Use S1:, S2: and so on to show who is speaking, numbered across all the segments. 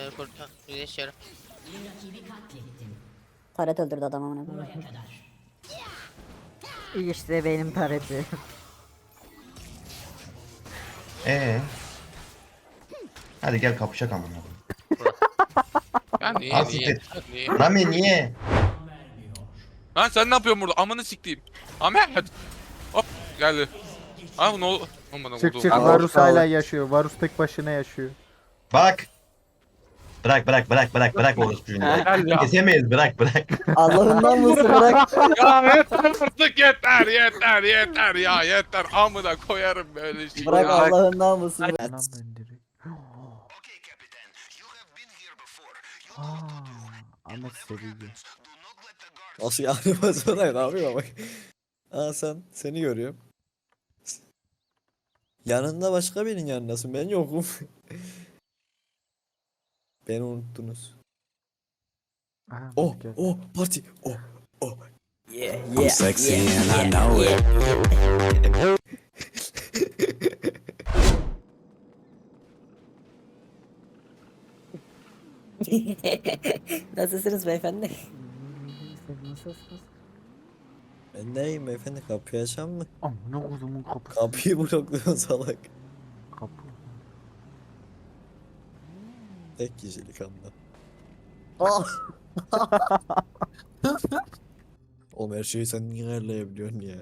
S1: kurtar. Yaşıyorum.
S2: Taret öldürdü adam amına koyayım.
S3: İşte benim taretim.
S4: Hadi gel kapışak amına koyayım.
S5: Ya niye
S4: Al
S5: niye?
S4: siktir.
S5: Niye?
S4: Rami niye?
S5: Lan sen ne yapıyorsun burada? Amını siktiğim. Ahmet. Hop geldi. Abi ne oldu? Aman
S6: Çık
S5: oldu.
S6: çık,
S4: Abi,
S6: Varus
S4: sağ ol.
S6: hala yaşıyor. Varus tek başına yaşıyor.
S4: Bak. Bırak orospuyu.
S5: Gel ya.
S4: Kesemeyiz bırak.
S2: Allah'ından mısın bırak.
S5: Ya yeter artık yeter ya yeter. Amına koyarım böyle şey.
S2: Bırak
S5: ya.
S2: Allah'ından mısın.
S6: Lan ben direkt. Ahmet seviyor.
S7: Nasıl yani basana ne yapayım bak. Aa seni görüyorum. Yanında başka birinin yanındasın. Ben yokum. Beni unuttunuz.
S6: Aha,
S7: Oh
S6: gel.
S7: oh parti. Oh oh.
S2: Yeah
S7: I'm sexy and I know it.
S2: Nasılsınız beyefendi?
S7: Ben neyim beyefendi, kapıyı açan mı?
S6: Amına kodumun kapısı.
S7: Kapıyı blokluyorsun salak.
S6: Kapı.
S7: Tek kişilik anda.
S2: Oh.
S7: Oğlum her şeyi sen niye ayarlayabiliyorsun ya?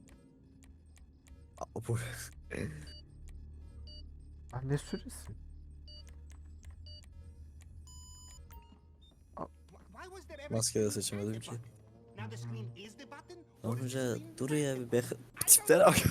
S7: Aa, bu
S6: Ah, ne süresi?
S7: maske de seçemedim ki. Amca dur ya bir bek... Tiplere bak.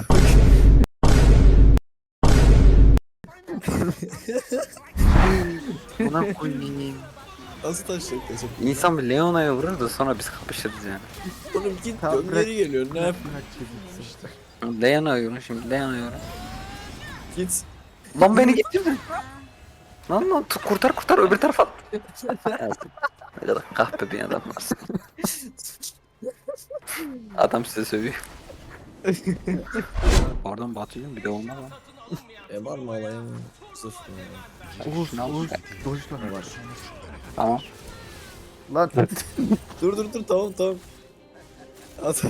S8: Buna koyayım.
S7: Nasıl taşacak kaçıp?
S8: İnsan bir Leona'ya vurur da sonra biz kapışırız yani.
S7: Oğlum git
S6: Tamam,
S7: dön
S6: bırak.
S7: geri geliyor ne yap?
S6: Bırak çekilsin işte.
S8: Leona'ya yorum şimdi Leona'ya yorum.
S7: Git.
S8: Lan beni getirme. Lan kurtar öbür tarafa at. Ne kadar kahpe bir adam varsın. Adam size sövüyor. Oradan batıyordum bir de olmaz lan.
S7: Var mı alayım? Zırh mı?
S6: Oğuz,
S8: Şunu al.
S6: Oğuz. Dojla.
S8: Tamam.
S6: Lan.
S7: Dur tamam. At.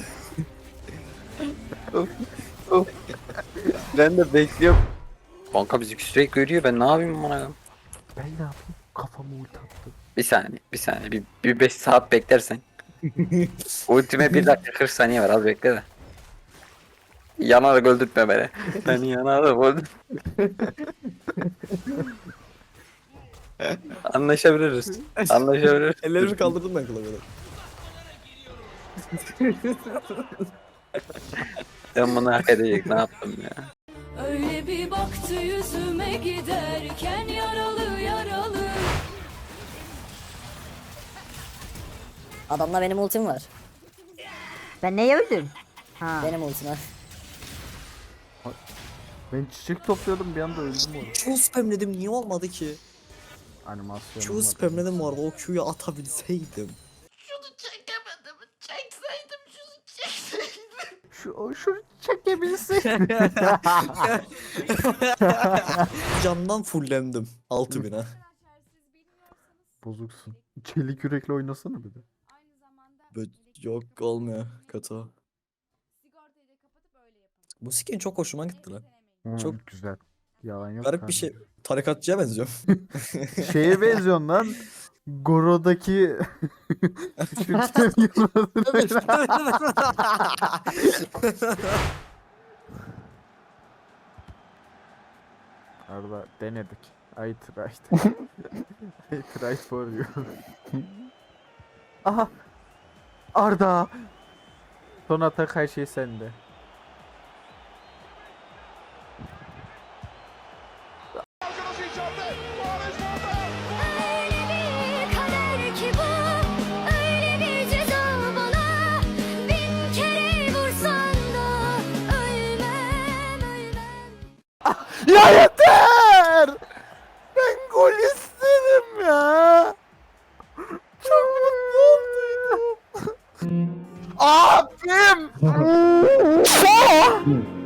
S8: Ben de bekliyorum. Banka bizi sürekli görüyor ben ne yapayım bana?
S6: Ben ne yapayım? Kafamı ulti attım.
S8: Bir saniye bir 5 saat beklersen. Ultime 1 dakika 40 saniye var az bekle de. Yanarak öldürtme beni. Beni yanarak öldür. Anlaşabiliriz.
S7: Ellerimi kaldırdım ben klavyeden.
S8: Ben bunu hak edecek ne yaptım ya.
S9: Öyle bir baktı yüzüme giderken yaralı yaralı.
S2: Adamla benim ultim var.
S3: Ben neye öldüm? Ha.
S2: Benim ultim var.
S6: Ben çiçek topluyordum bir anda öldüm orada.
S7: Q spamledim niye olmadı ki?
S6: Animasyonum
S7: Q
S6: var.
S7: spamledim vardı o Q'yu atabilseydim.
S9: Şunu çekemedim. Çekseydim şunu çekseydim.
S6: Şunu çekebilsin.
S7: Candan fullendim 6000'e.
S6: Bozuksun. Çelik yürekle oynasana bir de.
S7: Böyle yok olmuyor kötü. o. Bu skin çok hoşuma gitti lan. Çok
S6: güzel. Yalan yok.
S7: Garip bir şey. Tarikatçıya benziyor.
S6: Şeye benziyorsun lan. Goro'daki şu Arda denedik. I tried. I tried for you. Aha. Arda. Son atak her şey sende.
S9: Öyle bir kader ki bu. Öyle bir ceza bana. Bin kere vursan da ölmem.
S6: Ya yeter! Ben gol istedim ya. Çok mutlu oldum. Abim!